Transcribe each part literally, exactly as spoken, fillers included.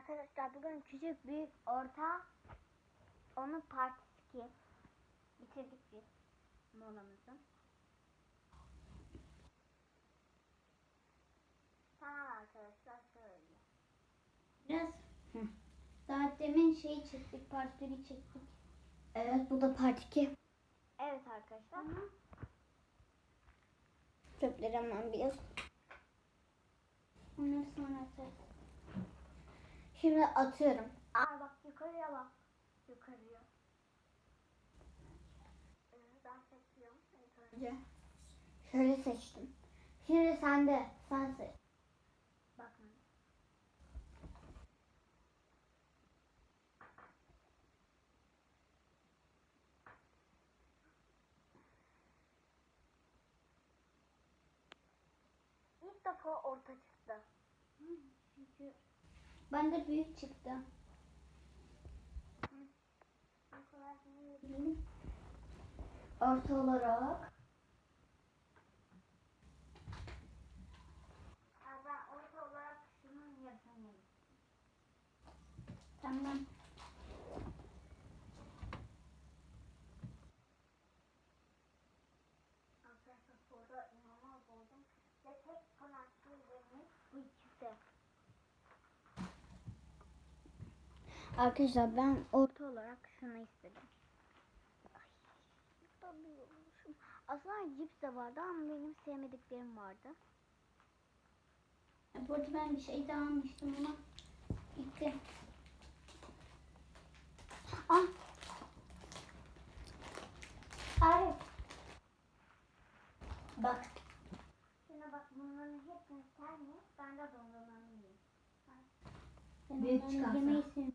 Arkadaşlar bugün küçük, büyük, orta, onun partisi iki. Bitirdik biz molamızı. Tamam arkadaşlar şöyle. Biraz Hı. Daha demin şeyi çektik, part biri çektik. Evet, bu da part iki. Evet arkadaşlar. Hı. Çöpleri hemen biraz. Onları sonra atarız. Şimdi atıyorum. Aa bak yukarıya bak. Yukarıya. Evet, ben seçiyorum. Evet, önce. Şöyle seçtim. Şimdi sen de. Sen seç. Bakın. İlk defa orta çıktı. Hı, çünkü bende büyük çıktı. Orta olarak. Ben orta olarak şunun yarısını. Tamam. Arkadaşlar sonra inanılmaz oldum. Ve tek kanatlı yerimiz bu ikisi. Arkadaşlar ben orta olarak şunu istedim. Ay, tabii olmuşum. Aslında cips de vardı ama benim sevmediklerim vardı. Bu arada ben bir şey daha almıştım ama gitti. Ah! Arif. Bak. Şuna bak, bunların hepsini sen ye. Ben de dondurmanı yiyeyim. Ben Büyük onları çıkarsa. yemeyi sevmiyorum.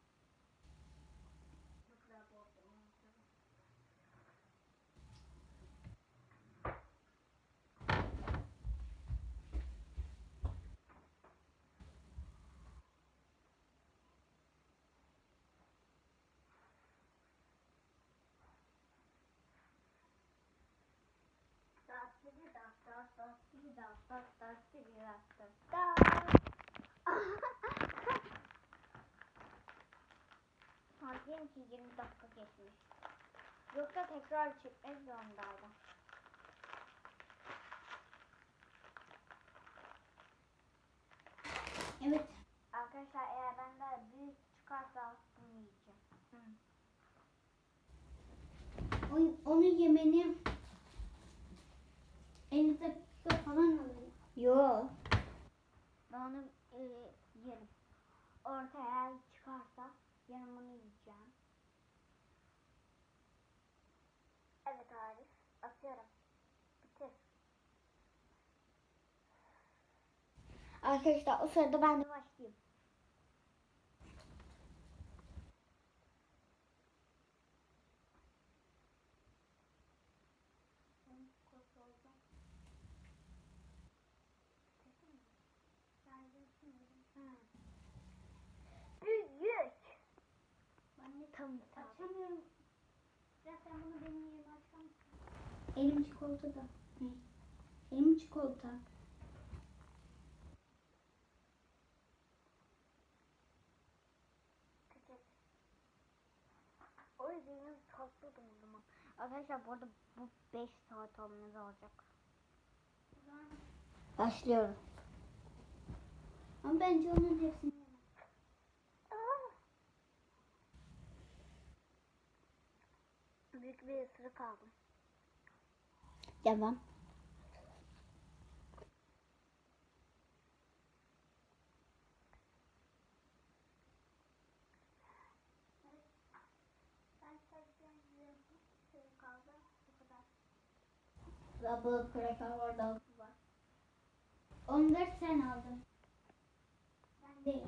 Diyelim ki yirmi dakika geçmiş. Yoksa tekrar çekmek zorundaydım. Evet. Arkadaşlar eğer benden büyük çıkarsa bunu yiyeceğim. Hı. O, onu yemeni elli dakika falan alıyor. Yo. Ben onu e, yerim. Ortaya çıkarsa yarın bunu yiyeceğim. Evet Arif. Atıyorum. Bitir. Arkadaşlar o sırada ben de başlayayım. Büyük. Ben de Tam açamıyorum. Biraz sen bunu benim yerime açar mısın? Elim çikolatada. Ne? Elim çikolata. O yüzden tatlıydım o zaman. Arkadaşlar bu arada bu beş saat olmanız olacak. Başlıyorum. Ama bence onun hepsini yemem. Büyük bir ısırık aldım. Devam. Double cracker var, double var. Onları sen aldın. Ben değil.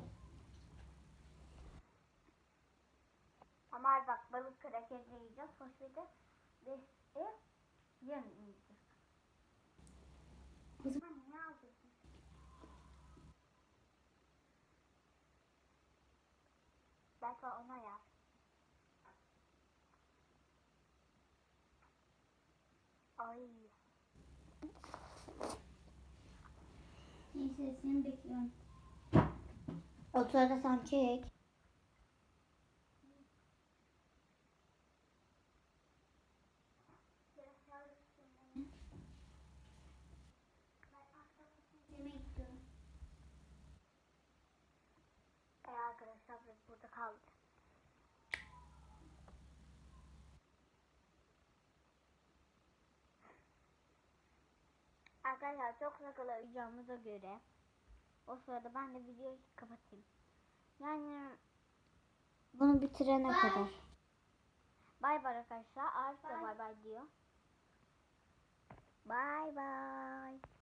Ama bak, balık krakeri yiyeceğiz. Hoşbede ve e, yarın yiyeceğiz. O zaman Ne alacaksın? Belki ona yap. Ay. neyse seni bekliyorum. O sırada sen çek. Yemek istiyorum. E arkadaşlar biz burada kaldık. Arkadaşlar çok sıkılacağımıza göre o sırada ben de videoyu kapatayım. Yani bunu bitirene Bye. kadar. Bay bay arkadaşlar. Arif de Bye. bay bay diyor. Bay bay.